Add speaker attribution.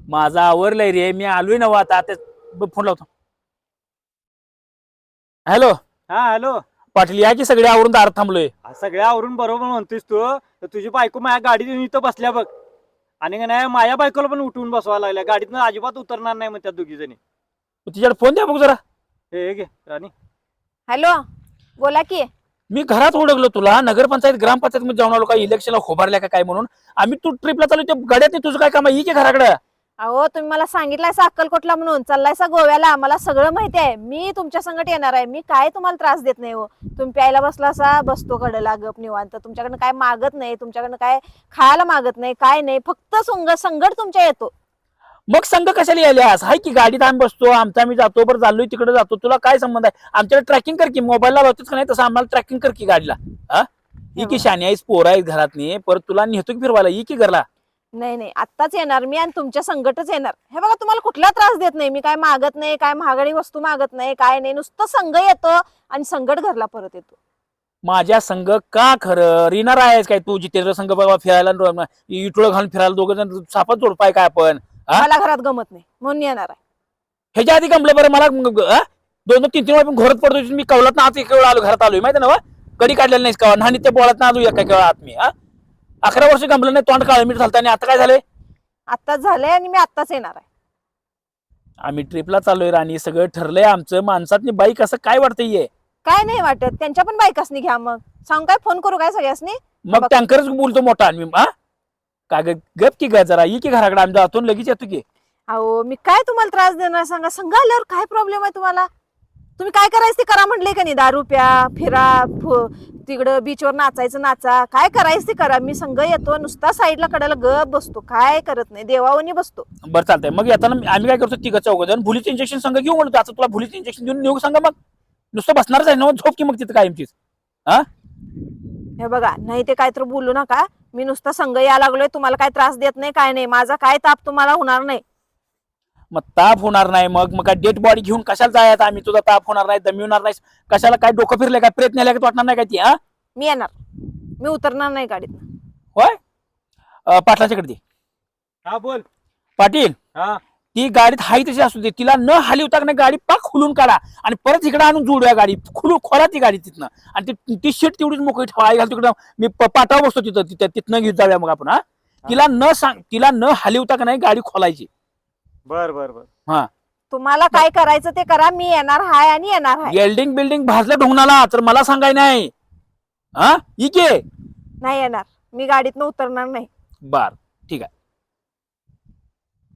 Speaker 1: माझा आवरलंय रे, मी आलोय ना आता फोन लावतो. हॅलो
Speaker 2: हा हॅलो.
Speaker 1: पाटील, या की सगळे आवरून दारात थांबलोय.
Speaker 2: सगळ्या आवरून बरोबर म्हणतोस तू, तर तुझी बायको माझ्या गाडीत येऊन इथं बसल्या बघ. आणि का नाही माझ्या बायकोला पण उठवून बसवायला लागल्या, गाडीतनं अजिबात उतरणार नाही मग त्या दोघी जणी.
Speaker 1: तिच्याकडे फोन द्या बघ जरा.
Speaker 2: हे घे राणी.
Speaker 3: हॅलो, बोला की.
Speaker 1: मी घरात ओळखलो तुला, नगरपंचायत ग्रामपंचायत मध्ये जाऊन आलो, काय इलेक्शनला खोबारल्या का काय म्हणून. आम्ही तू ट्रिपला चालू, त्या गाड्यात नाही तुझं काय काम आहे, की घराकडे.
Speaker 3: अहो, तुम्ही मला सांगितलायसा अक्कलकोटला म्हणून चाललायसा गोव्याला, मला सगळं माहिती आहे. मी तुमच्या संगत येणार आहे. मी काय तुम्हाला त्रास देत नाही हो. तुम्ही प्यायला बसलासा, बसतो कडेला गप निवांत. तुमच्याकडनं काय मागत नाही, तुमच्याकडनं काय खायला मागत नाही, काय नाही. फक्त संगट तुमच्या येतो.
Speaker 1: मग संघ कशाला यायल्यास? हाय की गाडीत आम्ही बसतो, आमचा आम्ही जातो, बरं चाललोय तिकडे जातो. तुला काय संबंध आहे? आमच्याकडे ट्रॅकिंग कर की, मोबाईलला लावतोच का नाही तसं आम्हाला ट्रॅकिंग कर की गाडीला. हा, ही की शानी आहेस, पोरं आहेत घरातनी, परत तुला नेतो की फिरवायला, ही की घरला.
Speaker 3: नाही नाही, आत्ताच येणार मी आणि तुमच्या संगटच येणार. हे बघा, तुम्हाला कुठला त्रास देत नाही मी. काय मागत नाही, काय महागडी वस्तू मागत नाही, काय नाही. नुसतं संघ येतो आणि संगट घरला परत येतो.
Speaker 1: माझ्या संघ का खरं रिणार आहेस काय तू? जितेंद्र संघ बाबा फिरायला, इटोळ घालून फिरायला, दोघं जण सापात जोडपाय काय आपण.
Speaker 3: मला घरात गमत नाही म्हणून येणार आहे.
Speaker 1: ह्याच्या आधी गमलं बरं मला. 2-3 वेळा पण घोरत पडतो. मी कवलात ना आत एक वेळा आलो, घरात आलोय माहिती ना. कधी काढलेलं नाहीस का आणि त्या बोळात ना आलो एका केवळा आत मी. 11 वर्ष गमलं नाही, तोंड काळ मीठ झालं. आणि आता काय झालंय?
Speaker 3: आत्ताच झालंय आणि मी आत्ताच येणार आहे.
Speaker 1: आम्ही ट्रिपला चाललोय राणी, सगळं ठरलंय आमचं. माणसातनी बाईक असं काय वाटतंय?
Speaker 3: काय नाही वाटत, त्यांच्या पण बायकासनी घ्या. मग सांग, काय फोन करू काय सगळ्यासनी?
Speaker 1: मग टँकरच बोलतो मोठा. आणि काय गप की ग जरा, ये की घराकडे, आम्ही जातो लगेच येतो की.
Speaker 3: अहो, मी काय तुम्हाला त्रास देणार सांगा? संघ आल्यावर काय प्रॉब्लेम आहे तुम्हाला? तुम्ही काय करायचं ते करा म्हटले का नाही. दारू प्या, फिरा, तिकडं बीचवर नाचायचं नाचा, काय करायचं ते करा. मी संघ येतो, नुसता साईडला कडायला गप बसतो, काय करत नाही, देवावनी बसतो.
Speaker 1: बरं चालतंय. मग येताना आम्ही काय करतो, तिघं चौघं जण भुलीचं इंजेक्शन संघ घेऊ म्हणतो. आता तुला भुलीचं इंजेक्शन देऊन नेऊ सांगा. मग नुसतं बसणारच आहे ना, झोप की मग तिथं कायमचीच.
Speaker 3: हे बघा, नाही ते काय तर बोलू नका. मी नुसता संघ यायला लागलोय, तुम्हाला काय त्रास देत नाही, काय नाही. माझा काय ताप तुम्हाला होणार नाही.
Speaker 1: मग ताप होणार नाही, मग काय डेड बॉडी घेऊन कशाला जायचं आम्ही? तुझा ताप होणार नाही, दमी होणार नाही, कशाला? काय डोकं फिरलंय काय? प्रयत्न आल्या का वाटणार नाही काय ती?
Speaker 3: मी येणार, मी उतरणार नाही गाडीत.
Speaker 1: होय, पाटलाच्याकडे दे.
Speaker 2: हा बोल.
Speaker 1: पाटील,
Speaker 2: हा
Speaker 1: ती गाडीत हाय तशी असू दे, तिला न हलवता का नाही गाडी पाक खुलून काढा आणि परत इकडे आणून जोडूया. गाडी खोला ती गाडी तिथनं, आणि ती शीट तेवढीच मोकळी ठेवा. आई घाल तिकडं, मी पाटावर बसतो तिथनं घेऊन जाऊया मग आपण. तिला न हलवता का नाही गाडी खोलायची.
Speaker 2: बर बर बर.
Speaker 1: हा,
Speaker 3: तुम्हाला काय करायचं ते करा. मी येणार हाय आणि येणार हाय.
Speaker 1: वेल्डिंग बिल्डिंग भाजलं ढोंगणाला तर मला सांगाय नाही. इके
Speaker 3: नाही येणार, मी गाडीतनं उतरणार नाही.
Speaker 1: बर, ठीक आहे.